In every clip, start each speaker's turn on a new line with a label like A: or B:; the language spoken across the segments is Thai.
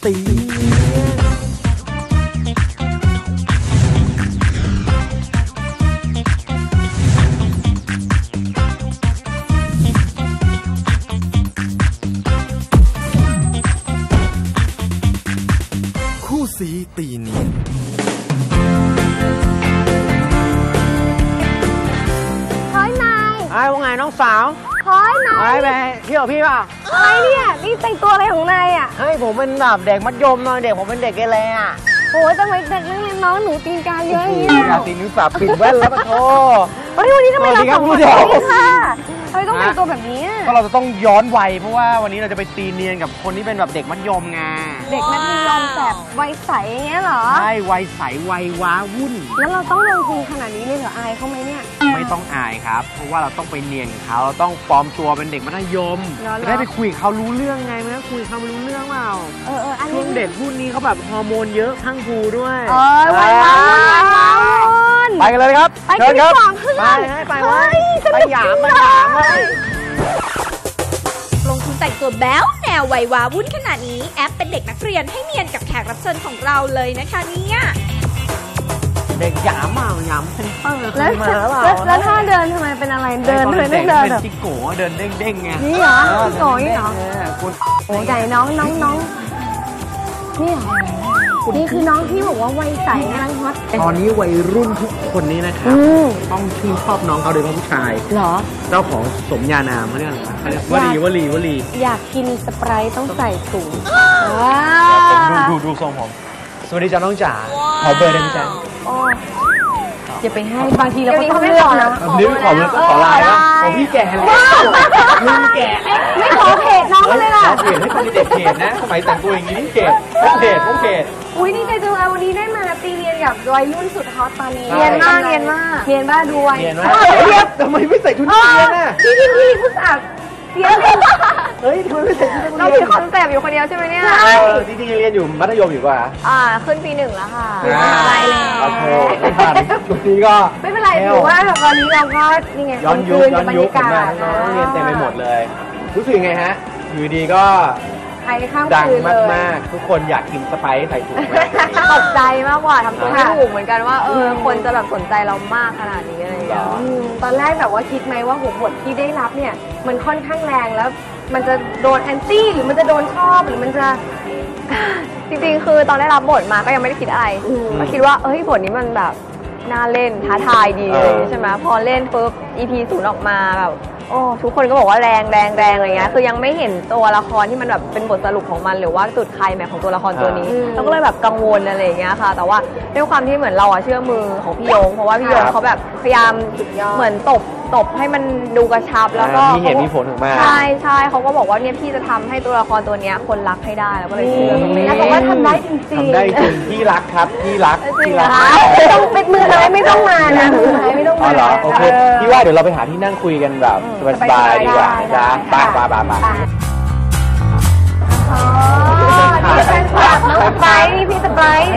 A: ตีคู่สีตีเนียน
B: เฮ้ยนาย
C: ว่าไงน้องสาว
B: เฮ้ยนาย
C: ไปเที่ยวพี่ป่ะ
B: อะไรเนี่ยนี่แต่งตัวอะไรของนายอ่ะ
C: เฮ้ยผมเป็นแบบเด็กมัธยมหน่อยเด็กผมเป็นเด็กเกเรอ่ะ
B: โอ้ยทำไมเด็กนักเรียนน้องหนูตีนกาเยอะอย่างนี้
C: อยากตีนิ้วสาบปิดแว่นแล้วปะโธ่
B: วันนี้ทำไมเราสองคนนี้ค่ะทำไมต้องแต่งตัวแบบนี้
C: ก็เราจะต้องย้อนวัยเพราะว่าวันนี้เราจะไปตีเนียนกับคนที่เป็นแบบเด็กมัธยมไง
B: เด็กมัธยมแบบวัยใสอย่างเงี้ยเหรอ
C: ใช่วัยใสวัยว้าวุ่น
B: แล้วเราต้องลงทุนขนาดนี้เลยเหรออายเขาไหมเนี่ย
C: ไม่ต้องอายครับเพราะว่าเราต้องไปเนียนเขาเราต้องปลอมตัวเป็นเด็กมัธยมจะได้ไปคุยเขารู้เรื่องไงมันก็คุยเขารู้เรื่องเปล่าช่วงเด็กรุ่นนี้เขาแบบฮอร์โมนเยอะทั้งภูด้วย
B: วัยว้าวุ่น
C: ไปกันเลยครับ
B: เชิญครับ
C: ไปหยาม
D: ลงทุนแต่งตัวแบ๊วแนววัยว้าวุ่นขนาดนี้แอปเป็นเด็กนักเรียนให้เนียนกับแขกรับเชิญของเราเลยนะคะเนี่ย
C: เด็กหยามหยามเซนเตอร์เคยมา
B: แล้วถ้าเดินทำไมเป็นอะไรเดินเลยไม่เดิน
C: เป็นจิโก้เดินเด้งๆไง
B: นี่เหรอจิโก้นี่เหรอโอ้ใหญ่น้องนี่เหรอนี่คือน้องที่บอกว่าวัยใสกำลังฮอต
C: ตอนนี้วัยรุ่นทุกคนนี้นะครับต้องชื่นชอบน้องเขาโดยเฉพาะผู้ชาย
B: เหรอ
C: เจ้าของสมญานามเขาเรียกอะไรวลี
B: อยากกินสไปร์ต้องใส่ถุง
C: ดูทรงผมสวัสดีจ้าน้องจ๋าขอเบอร์ได้ไหมจ๊ะ
B: จะไปให้บางทีเราก็ต้องเลือกนะ
C: นี่ขอไลน์นะของพี่แก่แล้วลุงแก่
B: ไม่ขอเพจน้องเลยล่ะ
C: เพจให้คนเด็กเพจนะสมัยแต่งตัวอย่างนี้นี่เพจ
B: อุ้ยนี่ใจจังเลยวันนี้ได้มาตีเรียนกับวัยรุ่นสุดฮอตตอนนี้เรียนมากด้วย
C: ทำไมไม่ใส่ชุดนักเรียนน่ะ
B: พี่ผู้สาว
C: เฮ้ยทำไมไม่ใส่ชุดนักเรียน
B: เราถือคอนเซปต์อยู่คนเดียวใช่ไหมเนี่ย
C: จริงๆเรียนอยู่มัธยมอยู่ป่ะ
B: ขึ้นปี 1แล้วค่ะ
C: ไปแล้วโอเคไม่ผ่านทุกทีก็
B: ไม่เป็นไรถือว่าวันนี้เราก็นี่ไง
C: ย้อนยุคเรียนเต็มไปหมดเลยรู้สึกไงฮะอยู่ดีก็ดังมากๆทุกคนอยากกินสไปซ์ใส่ถุง
B: ตกใจมากกว่าทำตัวไม่ถูกเหมือนกันว่าคนจะแบบสนใจเรามากขนาดนี้อะไรอย่างเงี้ยตอนแรกแบบว่าคิดไหมว่าหัวบทที่ได้รับเนี่ยมันค่อนข้างแรงแล้วมันจะโดนแอนตี้หรือมันจะโดนชอบหรือมันจะ
E: จริงๆคือตอนได้รับบทมาก็ยังไม่ได้คิดอะไรก็คิดว่าบทนี้มันแบบน่าเล่นท้าทายดีเลยใช่ไหมพอเล่นปุ๊บ EP 0ออกมาแบบทุกคนก็บอกว่าแรงอะไรเงี้ยคือยังไม่เห็นตัวละครที่มันแบบเป็นบทสรุปของมันหรือว่าจุดไคลแม็กซ์ของตัวละครตัวนี้เราก็เลยแบบกังวลอะไรอย่างเงี้ยค่ะแต่ว่าด้วยความที่เหมือนเราเชื่อมือของพี่โยงเพราะว่าพี่โยงเขาแบบพยายามเหมือนตบให้มันดูกระชับแล้วก็
C: มีเหตุมีผลถึงมา
E: ใช่เขาก็บอกว่าเนี่ยพี่จะทำให้ตัวละครตัวนี้คนรักให้ได้แล้วก็เลยเชื่อตรงนี้
B: แล้วบอกว่าทำได้จริง
C: ทำได้จริงพี่รักครับพี่รัก
B: ต้องเป็นมือไม้ไม่ต้องมานะมือไม้ไม่ต้องมา
C: เหรอโอเคพี่ว่าเดี๋ยวเราไปหาที่นั่งคุยกันแบบสบายๆดีกว่าจ้าไป
B: นี่เป็นน้องไปนี่พี่สไปร์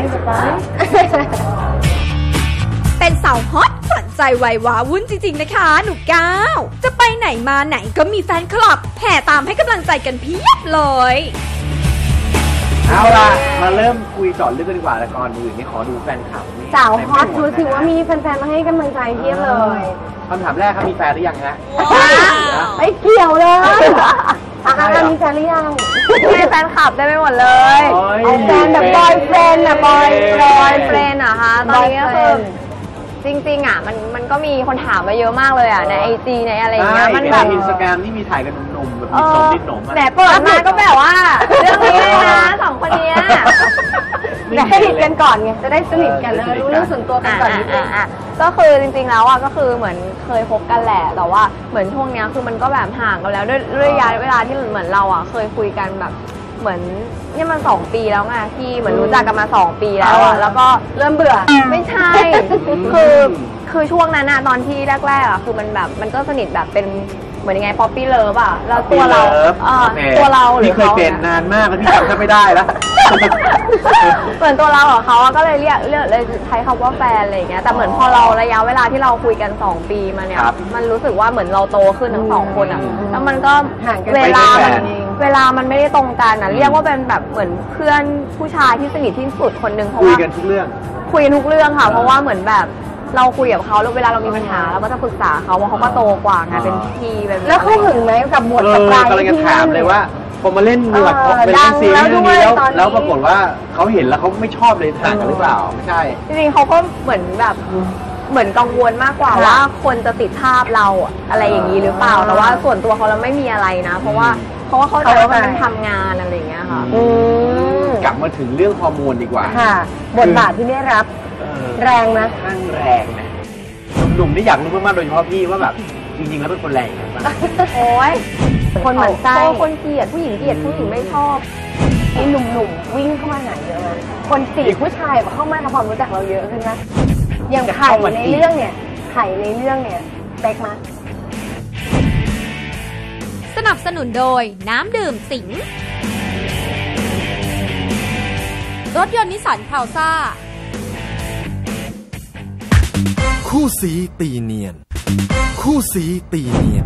D: เป็นสาวฮอตขวัญใจวัยว้าวุ่นจริงๆนะคะหนูก้าวจะไปไหนมาไหนก็มีแฟนคลับแห่ตามให้กำลังใจกันเพียบเลย
C: เอาล่ะมาเริ่มคุยจอดลึกกันดีกว่าแต่ก่อนอื่นนี่ขอดูแฟนคลับ
B: สาวฮอตดูสิว่ามีแฟนๆมาให้กำลังใจเพียบเลย
C: คำถามแรกครับมีแฟนหรือยังฮะ
B: ไม่เกี่ยวเลยมีแฟนหรือยัง
E: มีแฟนคลับได้ไปหมดเลย
B: แฟนแบบบอยเฟรนด์อะบอย
E: เฟรนด์อะคะตอนนี้ก็คือจริงๆอะมันก็มีคนถามมาเยอะมากเลยอะใน IG ในอะไรอย่างเงี้ย
C: มันแบบInstagramนี่มีถ่ายกันหนุ่มแบบมีนิดหนุ่ม
E: แต่เปิดมาก็แบบว่าเรื่องนี้เลยนะสองคนนี้
B: สนิทกันก่อนไงจะได้สนิทกันแล้วรู้เรื่องส่วนตัวกันก่อนนิดนึง
E: ก็คือจริงๆแล้วอะก็คือเหมือนเคยพบกันแหละแต่ว่าเหมือนช่วงนี้คือมันก็แบบห่างกันแล้วด้วยระยะเวลาที่เหมือนเราอะเคยคุยกันแบบเหมือนนี่มัน2 ปีแล้วไงที่เหมือนรู้จักกันมา2 ปีแล้วอะแล้วก็
B: เริ่มเบื่อ
E: ไม่ใช่คือช่วงนั้นอะตอนที่แรกๆอะคือมันแบบมันก็สนิทแบบเป็นเหมือนยังไงป๊อปปี้เลิฟอะแล้วตัวเราหรือ
C: เคยเป็นนานมากแล้วพี่จำแทบไม่ได้แล้ว
E: เหมือนตัวเรากับเขาก็เลยเรียกเลยใช้คำว่าแฟนอะไรอย่างเงี้ยแต่เหมือนพอเราระยะเวลาที่เราคุยกัน2 ปีมาเนี่ยมันรู้สึกว่าเหมือนเราโตขึ้นทั้ง2 คนอะแล้วมันก็เวลาเวลามันไม่ได้ตรงกันนะเรียกว่าเป็นแบบเหมือนเพื่อนผู้ชายที่สนิทที่สุดคนหนึ่งเพราะ
C: คุย
E: ว่า
C: กันทุกเรื่อง
E: คุยกันทุกเรื่องค่ะ เพราะว่าเหมือนแบบเราคุยกับเขาแล้วเวลาเรามีปัญหาเราก็จะปรึกษาเขาเพราะเขาก็โตกว่าไงเป็นพี่เป็น
B: แล้วเขาหึงไหมกับบทสปาย
C: กำลังจะ
B: ที่
C: ถามเลยว่าพอมาเล่นละครเป็น
B: ดั
C: เล่
B: ง
C: นซีรีส์
B: แล้ว
C: เรื่อง
B: ด้วย
C: นี้
B: ตอนนี้
C: แล้วปรากฏว่าเขาเห็นแล้วเขาไม่ชอบเลยต่างกันหรือเปล่าไม่ใช่
E: จริงๆเขาก็เหมือนแบบเหมือนกังวลมากกว่าว่าคนจะติดภาพเราอะไรอย่างนี้หรือเปล่าแต่ว่าส่วนตัวเขาเราไม่มีอะไรนะ เพราะว่าเข้าใจว่ามันเป็นทำงานอะไรอย่างเงี้ยค่ะ
C: กลับมาถึงเรื่องฮอร์โมนดีกว่า
B: ค่ะบทบาทที่ได้รับ แรงนะ
C: ข้างแรงนะหนุ่มๆนี่อยากรู้มากๆโดยเฉพาะพี่ว่าแบบจริงๆแล้วเป็นคนแรงยังไงบ้าง
E: โอ้ย
B: คนหมั่นไส้
E: คนเกลียดผู้หญิงเกลียดผู้หญิงไม่ชอบ
B: มีหนุ่มๆวิ่งเข้ามาหาเยอะนะคนจีบผู้ชายเข้ามาทำความรู้จักเราเยอะขึ้นนะอย่างไข่ในเรื่องเนี่ยไข่ในเรื่องเนี่ยเป๊กมา
D: สนับสนุนโดยน้ำดื่มสิง รถยนต์นิสสันพาวซ่า
A: คู่สีตีเนียน คู่สีตีเนียน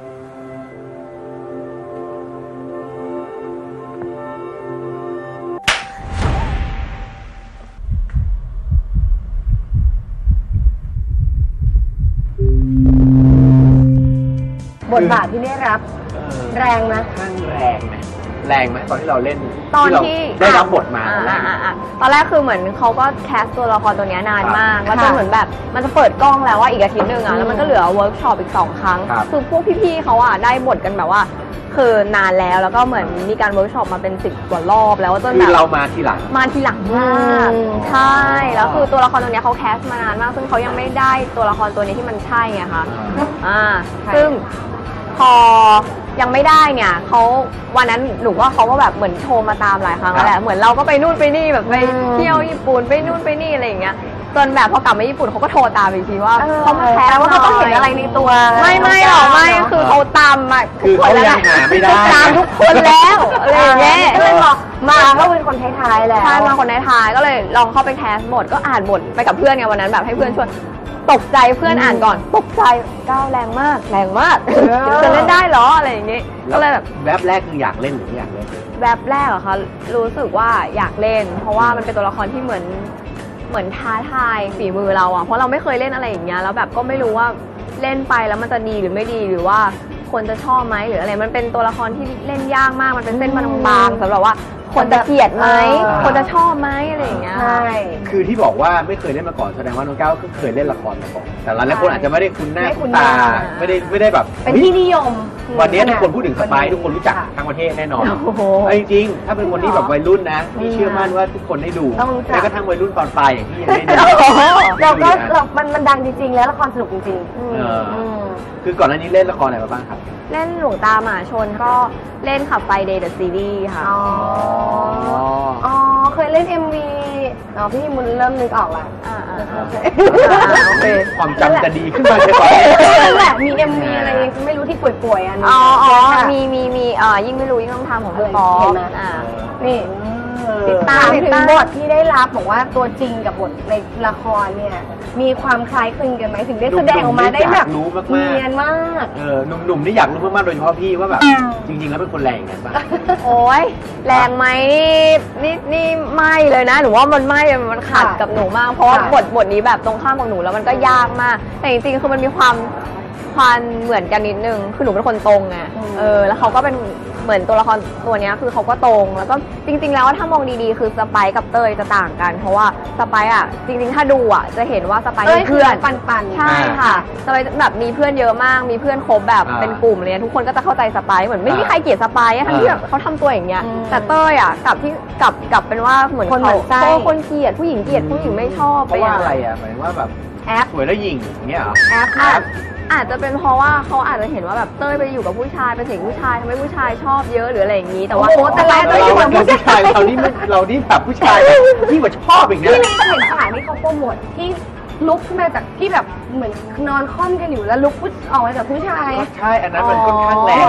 B: บทบาทที่ได้รับ แรงนะ
C: ข้างแรงนะแรงไหมตอนที่เราเล่น
E: ตอนที่
C: เราได้รับบทมาแรงไหม
E: ตอนแรกคือเหมือนเขาก็แคสตัวละครตัวเนี้ยนานมาก
B: ครับ
E: แล้วจนเหมือนแบบมันจะเปิดกล้องแล้วว่าอีกอาทิตย์หนึ่งอ่ะแล้วมันก็เหลือเวิร์กช็อปอีก2 ครั้ง
C: ครับ
E: คือพวกพี่ๆเขาอ่ะได้บทกันแบบว่า คือนานแล้วก็เหมือนมีการเวิร์กช็อปมาเป็น10 กว่ารอบแล้วจน
C: คื
E: แบ
C: อบ เรามาทีหลัง
E: มาทีหลังมากใช่แล้วคือตัวละครตัวเนี้ยเขาแคสมานานมาก ซึ่งเขายังไม่ได้ตัวละครตัวนี้ที่มันใช่ไงคะซึ่งพอยังไม่ได้เนี่ยเขาวันนั้นหนูว่าเขาก็แบบเหมือนโทรมาตามหลายครั้งแล้วแหละเหมือนเราก็ไปนู่นไปนี่แบบไปเที่ยวญี่ปุ่นไปนู่นไปนี่อะไรอย่างเงี้ยจนแบบพอกลับมาญี่ปุ่นเขาก็โทรตามอีกทีว่าเขามาแคส
B: ว่าเขาต้องเห็นอะไรในตัว
E: ไม่หรอกไม่คือเขาตามมาทุกคนแล้ว
C: คือเขายังหาไม่ได้
E: ตามทุกคนแล้วอะไรอย่างเงี้ย
B: ก็เลยบอกมาก็เป็นคนท้ายๆแหละ
E: ใช่มาคนในท้ายก็เลยลองเข้าไปแคสบทก็อ่านบทไปกับเพื่อนไงวันนั้นแบบให้เพื่อนชวนตกใจเพื่อนอ่านก่อนตกใจก้าวแรงมากจะเล่นได้เหรออะไรอย่างงี้ก็เลยแบบ
C: แวบแรกคืออยากเล่นหรือไม่อยากเล่น
E: แวบแรกเหรอคะรู้สึกว่าอยากเล่น เพราะว่ามันเป็นตัวละครที่เหมือนท้าทายฝีมือเราอะเพราะเราไม่เคยเล่นอะไรอย่างเงี้ยแล้วแบบก็ไม่รู้ว่าเล่นไปแล้วมันจะดีหรือไม่ดีหรือว่าคนจะชอบไหมหรืออะไรมันเป็นตัวละครที่เล่นยากมากมันเป็นเส้นมันบางๆสำหรับว่าคนจะเกลียดไหมคนจะชอบไหมอะไรอย่างเงี้ย
B: ใช่
C: คือที่บอกว่าไม่เคยเล่นมาก่อนแสดงว่าน้องก้าวก็เคยเล่นละครมาก่อนแต่หลายคนอาจจะไม่ได้คุ้นหน้าคุ้นตาไม่ได้แบบ
B: เป็นที่นิยม
C: วันนี้ทุกคนพูดถึงสไปซ์ทุกคนรู้จักทั้งประเทศแน่นอน
E: โอ้โห
C: จริงๆถ้าเป็นคนที่แบบวัยรุ่นนะพี่เชื่อมั่นว่าทุกคนได้ดู
B: ต้องรู้จัก
C: แม้กระทั่งวัยรุ่นตอนปลายอย่างที่ยังไม่ได้ดู
B: เราก็มันดังจริงๆแล้วละครสนุกจริงๆ
C: เออคือก่อนหน้านี้เล่นละครอะไรมาบ้างครับ
E: เล่นหลวงตาหมาชนก็เล่นขับไฟเดย์เดอะซีรีส์ค่ะ
B: อ๋อเคยเล่น MV อ๋อพี่มุนเริ่มนึกออกละ
C: โอเคความจำจะดีขึ้นมาใช่ไหม
B: นั่นแหละมี MV อะไรไม่รู้ที่ป่วยๆอันนี้
E: มียิ่งไม่รู้ยิ่งต้องทำของพี่
B: เห็น
E: ป๊อป
B: ไหม นี่
E: ติด
B: ถาม
E: ติด
B: ถึง
E: ตาม
B: บทที่ได้รับบอกว่าตัวจริงกับบทในละครเนี่ย มีความคล้ายคลึงกันไหมถึงได้แสดงออกมาได้แบบเนียนมาก
C: หนุ่มๆนี่อยากรู้มากๆโดยเฉพาะพี่ว่าแบบจริงๆแล้วเป็นคนแรงกันบ้าง
E: โอ้ยแรงไหมนี่ไม่เลยนะหนูว่ามันไม่มันขัดกับหนูมากเพราะว่าบทนี้แบบตรงข้ามกับหนูแล้วมันก็ยากมากแต่จริงๆคือมันมีความเหมือนกันนิดนึงคือหนูเป็นคนตรงไงแล้วเขาก็เป็นเหมือนตัวละครตัวนี้คือเขาก็ตรงแล้วก็จริงๆแล้วถ้ามองดีๆคือสไปซ์กับเต้ยจะต่างกันเพราะว่าสไปซ์อ่ะจริงๆถ้าดูอ่ะจะเห็นว่าสไปซ์มีเพื่อน
B: ปันๆ
E: ใช่ค่ะสไปซ์แบบมีเพื่อนเยอะมากมีเพื่อนคบแบบเป็นกลุ่มเลยทุกคนก็จะเข้าใจสไปซ์เหมือนไม่มีใครเกลียดสไปซ์ทั้งที่แบบเขาทำตัวอย่างเงี้ยแต่เต้ยอ่ะกลับเป็นว่าเหมือน
B: คนหมั่นไส้
E: คนเกลียดผู้หญิงเกลียดผู้หญิงไม่ชอบ
C: เพราะว่าอะไรอ่ะหมายถึงว่าแบบ
B: แอป
C: สวยแล้วหญิงอย่างเงี้ยเหรอ
E: อาจจะเป็นเพราะว่าเขาอาจจะเห็นว่าแบบเต้ยไปอยู่กับผู้ชายเป็นเสียงผู้ชายทำให้ผู้ชายชอบเยอะหรืออะไรอย่างนี้แต่ว่า
B: โอ้โหแต่แรกเต้ยอยู่กับผู้ชาย
C: เรานี่แบบผู้ชายยิ่งกว่าชอบอีกนะ
B: ที่ในเห็นสายที่เขาโปรโมทที่ลุกขึ้นมาจากที่แบบเหมือนนอนค่อมกันอยู่แล้วลุกออกมาจากผู้ชาย
C: ใช่อันนั้นมันค่อนข้างแรง